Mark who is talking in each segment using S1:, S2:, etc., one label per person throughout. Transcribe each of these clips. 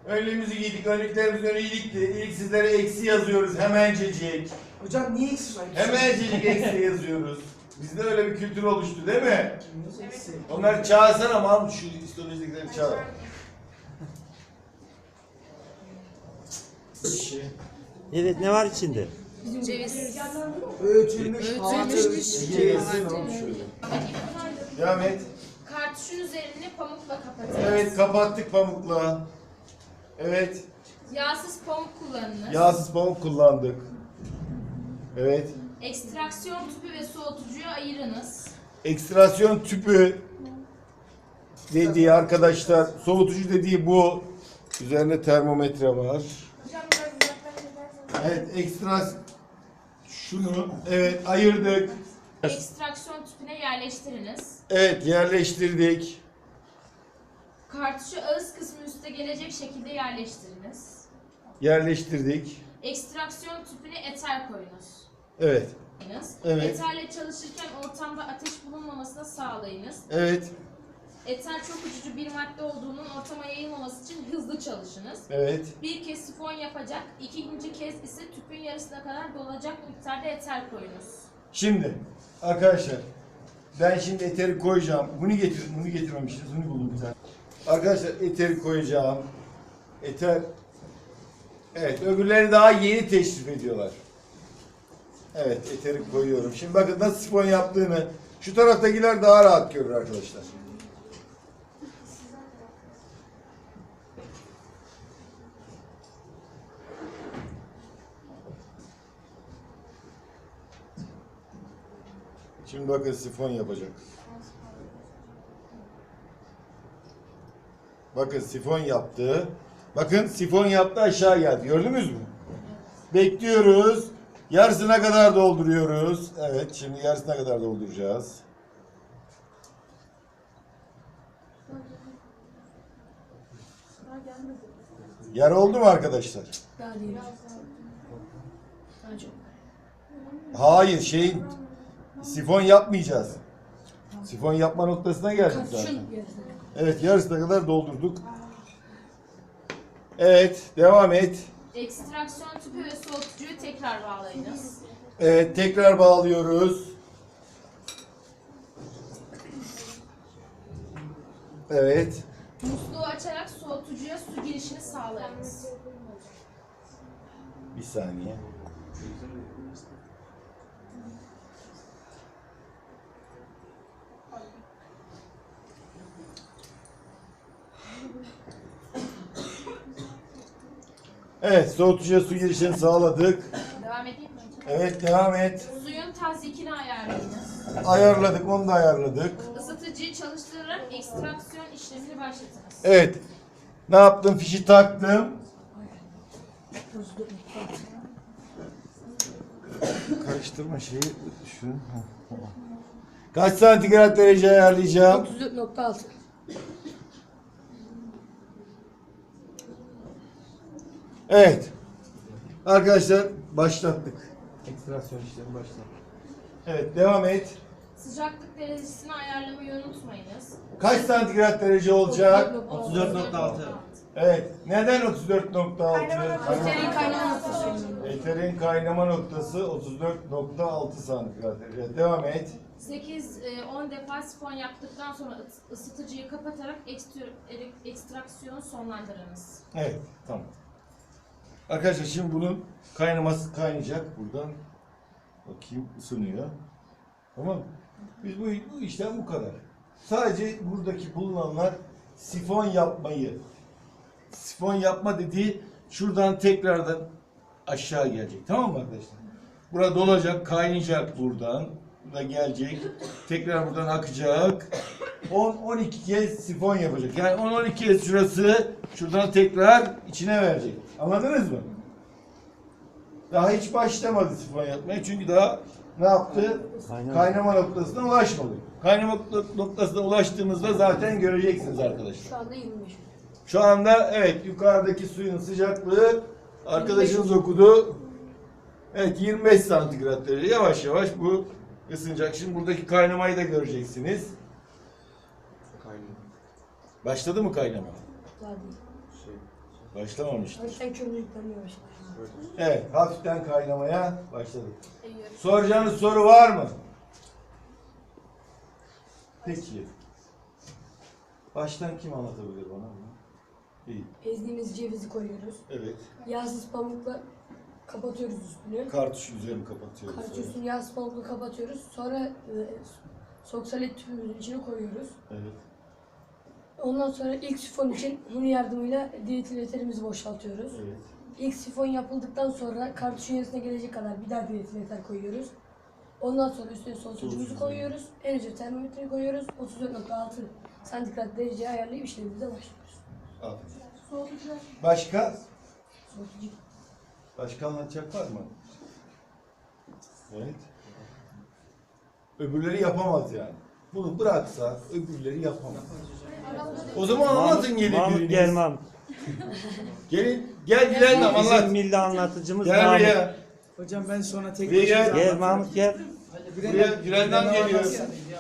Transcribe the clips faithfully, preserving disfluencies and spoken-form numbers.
S1: Önlüğümüzü giydik, önlüklerimizi öne giydik de ilk sizlere eksi yazıyoruz hemencecik.
S2: Hocam niye eksi var?
S1: Hemencecik eksi yazıyoruz. Bizde öyle bir kültür oluştu değil mi?
S2: Eksi.
S1: Onları çağırsana Mahmut, şu histolojidekileri çağır.
S3: Evet, ne var içinde?
S4: Ceviz.
S2: Öğütülmüş.
S4: Öğütülmüş.
S1: Ceviz. Devam et.
S4: Kartuşun üzerini pamukla kapatırız.
S1: Evet, kapattık pamukla. Evet,
S4: Yağsız pamuk kullanınız.
S1: yağsız pamuk kullandık. Evet.
S4: Ekstraksiyon tüpü ve soğutucuyu ayırınız.
S1: Ekstrasyon tüpü dediği arkadaşlar, soğutucu dediği bu. Üzerinde termometre var. Evet, ekstras şunu evet ayırdık.
S4: Ekstraksiyon tüpüne yerleştiriniz.
S1: Evet, yerleştirdik.
S4: Kartuşu ağız kısmı üste gelecek şekilde yerleştiriniz.
S1: Yerleştirdik.
S4: Ekstraksiyon tüpüne eter koyunuz.
S1: Evet. Evet.
S4: Eterle çalışırken ortamda ateş bulunmamasına sağlayınız.
S1: Evet.
S4: Eter çok uçucu bir madde olduğunun ortama yayılmaması için hızlı çalışınız.
S1: Evet.
S4: Bir kez sifon yapacak, ikinci kez ise tüpün yarısına kadar dolacak miktarda eter koyunuz.
S1: Şimdi arkadaşlar ben şimdi eteri koyacağım. Bunu getir, bunu getirmemişiz. Bunu buldum bir tane. Arkadaşlar eteri koyacağım. Eter. Evet, öbürleri daha yeni teşrif ediyorlar. Evet, eteri koyuyorum. Şimdi bakın nasıl sifon yaptığını şu taraftakiler daha rahat görür arkadaşlar. Şimdi bakın sifon yapacak. Bakın sifon yaptı. Bakın sifon yaptı, aşağı geldi. Gördünüz mü? Bekliyoruz. Yarısına kadar dolduruyoruz. Evet, şimdi yarısına kadar dolduracağız. Yarı oldu mu arkadaşlar?
S4: Daha değil. Daha çok.
S1: Hayır, şey sifon yapmayacağız. Sifon yapma noktasına geldik zaten. Evet, yarısına kadar doldurduk. Evet, devam et.
S4: Ekstraksiyon tüpü ve soğutucuyu tekrar bağlayınız.
S1: Evet, tekrar bağlıyoruz. Evet.
S4: Musluğu açarak soğutucuya su girişini sağlayınız.
S1: Bir saniye. Evet, soğutucuya su girişini sağladık.
S4: Devam edeyim mi?
S1: Evet, devam et.
S4: Suyun tazyikini ayarlayınız.
S1: Ayarladık, onu da ayarladık.
S4: Isıtıcıyı çalıştırarak ekstraksiyon işlemini başlatınız.
S1: Evet. Ne yaptım? Fişi taktım. Karıştırma şeyi. Şunu. Kaç santigrat derece ayarlayacağım?
S5: otuz dört nokta altı.
S1: Evet. Arkadaşlar başlattık.
S3: Ekstrasyon işlemi başladı.
S1: Evet, devam et.
S4: Sıcaklık derecesini ayarlamayı unutmayınız.
S1: Kaç santigrat derece olacak?
S3: otuz dört nokta altı.
S1: Evet. Neden otuz dört nokta altı?
S5: Eterin kaynama noktası.
S1: Eterin kaynama noktası otuz dört nokta altı santigrat derece. Devam et.
S4: sekiz on defa sifon yaptıktan sonra ıs- ısıtıcıyı kapatarak ekstr- ele- ekstraksiyonu sonlandırınız.
S1: Evet, tamam. Arkadaşlar şimdi bunun kaynaması kaynayacak buradan. Bakayım ısınıyor. Tamam mı? Biz bu, bu işlem bu kadar. Sadece buradaki bulunanlar sifon yapmayı. Sifon yapma dediği şuradan tekrardan aşağı gelecek. Tamam mı arkadaşlar? Burada dolacak, kaynayacak buradan. Burada gelecek. Tekrar buradan akacak. on on iki kez sifon yapacak. Yani on on iki kez şurası şuradan tekrar içine verecek. Anladınız mı? Daha hiç başlamadı sifon yapmaya. Çünkü daha ne yaptı?
S3: Kaynama.
S1: Kaynama noktasına ulaşmadı. Kaynama noktasına ulaştığımızda zaten göreceksiniz arkadaşlar.
S5: Şu anda yirmi beş.
S1: Şu anda evet yukarıdaki suyun sıcaklığı arkadaşınız okudu. Evet yirmi beş santigrat derece. Yavaş yavaş bu ısınacak. Şimdi buradaki kaynamayı da göreceksiniz.
S3: Kaynama.
S1: Başladı mı kaynama?
S5: Daha değil.
S3: Şey,
S1: Başlamamıştır.
S5: Sen kömürlükten başla.
S1: Evet, hafiften kaynamaya başladık. Soracağınız soru var mı? Peki. Baştan kim anlatabilir bana bunu? İyi.
S5: Ezdiğimiz cevizi koyuyoruz.
S1: Evet.
S5: Yağsız pamukla kapatıyoruz üstünü.
S1: Kartuş üzerini kapatıyoruz.
S5: Kartuşun yağsız pamukla kapatıyoruz. Sonra e, soksalet tüpümüzün içine koyuyoruz.
S1: Evet.
S5: Ondan sonra ilk sifon için huni yardımıyla dietiliterimizi boşaltıyoruz.
S1: Evet.
S5: İlk sifon yapıldıktan sonra kartuşun yarısına gelecek kadar bir daha diyetiliter koyuyoruz. Ondan sonra üstüne soğutucumuzu koyuyoruz. En üstüne termometreyi koyuyoruz. otuz dört nokta altı santigrat dereceye ayarlayıp işlemimize başlıyoruz.
S1: Aferin. Başka?
S5: Soğutucu.
S1: Başka anlatacak var mı? Evet. Öbürleri yapamaz yani. Bunu bıraksa öbürleri yapamaz. O zaman anlatın gelin
S3: Mahmut
S1: biriniz.
S3: gel Mahmut.
S1: Gelin, gel Gülen Nam
S3: Bizim
S1: anlat.
S3: milli anlatıcımız
S1: Gel
S3: Mahmut.
S1: buraya.
S2: Hocam ben sonra tek
S1: Buraya gel.
S3: Gel Mahmut gel.
S1: Buraya Gülen Nam geliyor.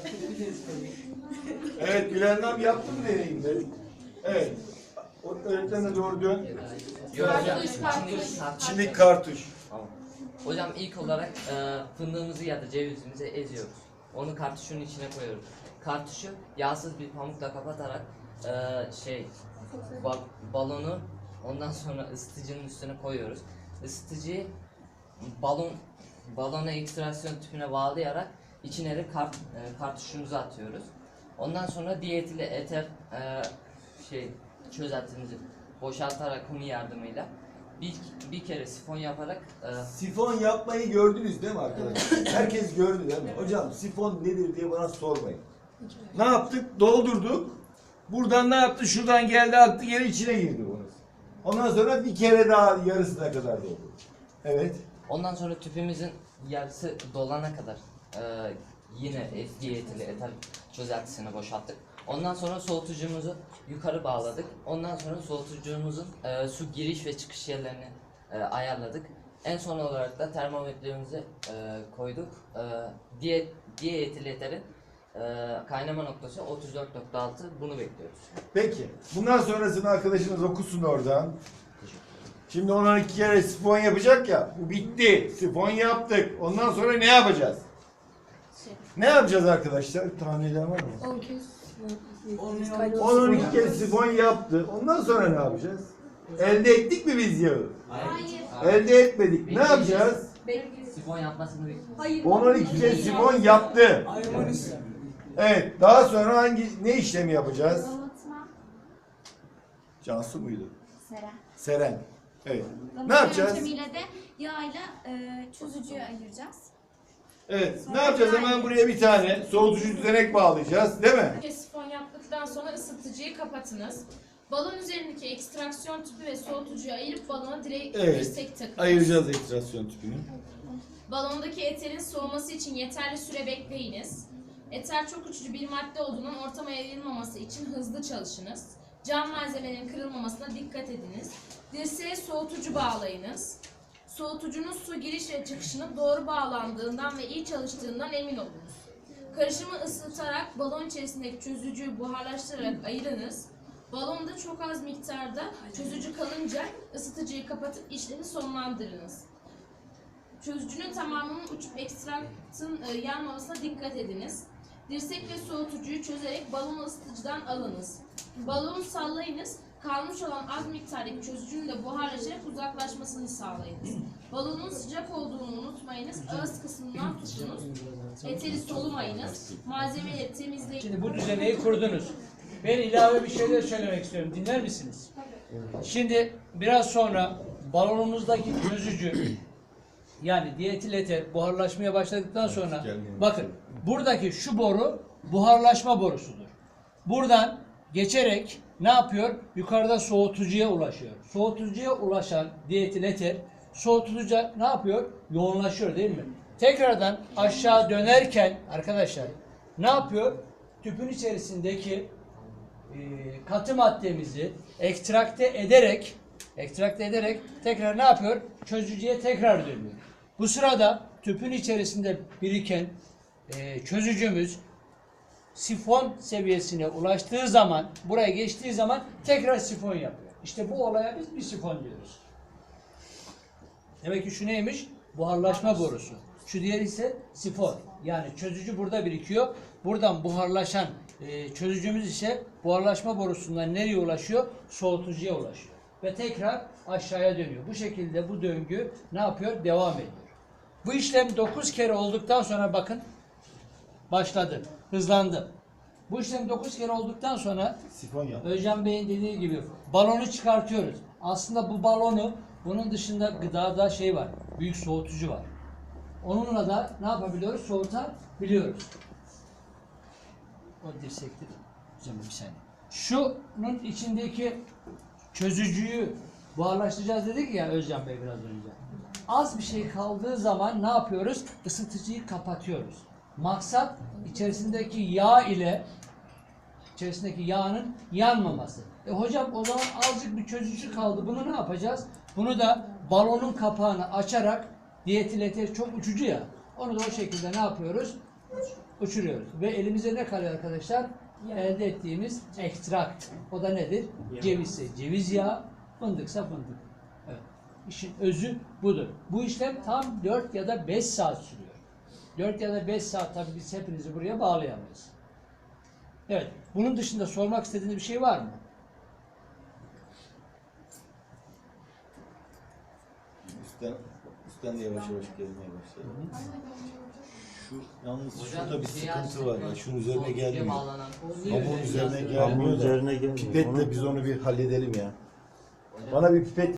S1: Evet, Gülen Nam yaptı mı deneyimde? Evet. O öğretmenine doğru dön.
S6: Yok hocam.
S4: Kartuş, kartuş.
S1: Şimdi kartuş.
S6: Tamam. Hocam ilk olarak e, fındığımızı ya da cevizimizi eziyoruz. Onu kartuşun içine koyuyoruz. Kartuşu yağsız bir pamukla kapatarak e, şey ba- balonu ondan sonra ısıtıcının üstüne koyuyoruz. Isıtıcıyı balon balona ekstraksiyon tüpüne bağlayarak içine de kart, e, kartuşumuzu atıyoruz. Ondan sonra diyetili eter e, şey çözeltimizi boşaltarak huni yardımıyla bir, bir kere sifon yaparak e,
S1: Sifon yapmayı gördünüz değil mi arkadaşlar? Herkes gördü değil mi? Hocam sifon nedir diye bana sormayın. Ne yaptık? Doldurduk. Buradan ne yaptı? Şuradan geldi aktı geri içine girdi bunu. Ondan sonra bir kere daha yarısına kadar doldurduk. Evet.
S6: ondan sonra tüpümüzün yarısı dolana kadar e, yine diyetili eter çözeltisini boşalttık. Ondan sonra soğutucumuzu yukarı bağladık. Ondan sonra soğutucumuzun e, su giriş ve çıkış yerlerini e, ayarladık. En son olarak da termometremizi e, koyduk. E, diye, diyetili eterin e, kaynama noktası otuz dört nokta altı, bunu bekliyoruz.
S1: Peki. Bundan sonrasını arkadaşınız okusun oradan. Şimdi ona iki kere sifon yapacak ya. Bu bitti. Sifon yaptık. Ondan sonra ne yapacağız? Ne yapacağız arkadaşlar? Tahminler var mı?
S5: on kez
S2: On
S5: Biz
S2: on-
S5: kaynağı
S1: on on iki
S5: sifon
S1: kez sifon yaptı. Ondan sonra ne yapacağız? Elde ettik mi biz yağı?
S4: Hayır.
S1: Elde etmedik. Ne yapacağız?
S6: Sifon yapmasını bekliyoruz.
S5: Hayır.
S1: on on iki kez sifon yaptı.
S2: Aymonis.
S1: Evet. Daha sonra hangi ne işlemi yapacağız?
S7: Damıtma,
S1: Cansu muydu?
S7: seren.
S1: Seren. Evet. Ne
S7: Damıtma
S1: yapacağız?
S7: yöntemiyle de yağıyla e, çözücüyü ayıracağız.
S1: Evet. Ne yapacağız? Hemen buraya bir tane soğutucu düzenek bağlayacağız. Değil mi?
S4: Önce sifon yaptıktan sonra ısıtıcıyı kapatınız. Balon üzerindeki ekstraksiyon tüpü ve soğutucuyu ayırıp balona direkt
S1: Evet.
S4: dirsek takınız.
S1: Ayıracağız ekstrasyon tüpünü.
S4: Balondaki eterin soğuması için yeterli süre bekleyiniz. Eter çok uçucu bir madde olduğundan ortama yayılmaması için hızlı çalışınız. Cam malzemelerin kırılmamasına dikkat ediniz. Dirseğe soğutucu bağlayınız. Soğutucunun su giriş ve çıkışının doğru bağlandığından ve iyi çalıştığından emin olunuz. Karışımı ısıtarak balon içerisindeki çözücüyü buharlaştırarak ayırınız. Balonda çok az miktarda çözücü kalınca ısıtıcıyı kapatıp işlemi sonlandırınız. Çözücünün tamamının uçup ekstraktın e, yanmamasına dikkat ediniz. Dirsek ve soğutucuyu çözerek balonu ısıtıcıdan alınız. Balonu sallayınız. Kalmış olan az miktardaki çözücünün de buharlaşarak uzaklaşmasını sağlayınız. Balonun sıcak olduğunu unutmayınız. Ağız kısmından tutunuz. Eteri solumayınız. Malzemeleri temizleyin.
S8: Şimdi bu düzeneyi kurdunuz. Ben ilave bir şeyler söylemek istiyorum. Dinler misiniz? Şimdi biraz sonra balonumuzdaki çözücü yani diyetil eter buharlaşmaya başladıktan sonra bakın buradaki şu boru buharlaşma borusudur. Buradan geçerek ne yapıyor? Yukarıda soğutucuya ulaşıyor. Soğutucuya ulaşan diyetil eter soğutucuya ne yapıyor? Yoğunlaşıyor değil mi? Tekrardan aşağı dönerken arkadaşlar ne yapıyor? Tüpün içerisindeki e, katı maddemizi ekstrakte ederek ekstrakte ederek tekrar ne yapıyor? Çözücüye tekrar dönüyor. Bu sırada tüpün içerisinde biriken e, çözücümüz sifon seviyesine ulaştığı zaman, buraya geçtiği zaman tekrar sifon yapıyor. İşte bu olaya biz bir sifon diyoruz. Demek ki şu neymiş? Buharlaşma borusu. Şu diğeri ise sifon. Yani çözücü burada birikiyor. Buradan buharlaşan e, çözücümüz ise buharlaşma borusundan nereye ulaşıyor? Soğutucuya ulaşıyor. Ve tekrar aşağıya dönüyor. Bu şekilde bu döngü ne yapıyor? Devam ediyor. Bu işlem dokuz kere olduktan sonra bakın başladı. Hızlandı. Bu işlem dokuz kere olduktan sonra
S1: Sifon yap.
S8: Özcan Bey'in dediği gibi balonu çıkartıyoruz. Aslında bu balonu, bunun dışında gıdada şey var, büyük soğutucu var. Onunla da ne yapabiliyoruz? Soğutabiliyoruz. O dirsektir. Hocam bir saniye. Şunun içindeki çözücüyü buharlaştıracağız dedik ya Özcan Bey biraz önce. Az bir şey kaldığı zaman ne yapıyoruz? Isıtıcıyı kapatıyoruz. Maksat içerisindeki yağ ile içerisindeki yağın yanmaması. E hocam o zaman azıcık bir çözücü kaldı. Bunu ne yapacağız? Bunu da balonun kapağını açarak dietil eter çok uçucu ya. Onu da o şekilde ne yapıyoruz? Uçuruyoruz. Ve elimize ne kalıyor arkadaşlar? Elde ettiğimiz ekstrakt. O da nedir? Cevizse ceviz yağı, fındıksa fındık. Evet. İşin özü budur. Bu işlem tam dört ya da beş saat sürüyor. dört ya da beş saat tabii biz hepinizi buraya bağlayamayız. Evet. Bunun dışında sormak istediğiniz bir şey var mı?
S1: Üstten, üstten de yavaş yavaş gelmeye başladı. Şu yalnız
S6: Hocam,
S1: şurada bir
S6: siyah
S1: sıkıntı var ya. Şunun üzerine
S6: soğutucuya
S1: gelmiyor.
S6: bağlanan-
S1: Pamuğun üzerine
S3: Pamuğun
S1: gelmiyor da.
S3: üzerine gelmiyor.
S1: Pipetle
S3: Onu-
S1: biz onu bir halledelim ya. Bana bir pipet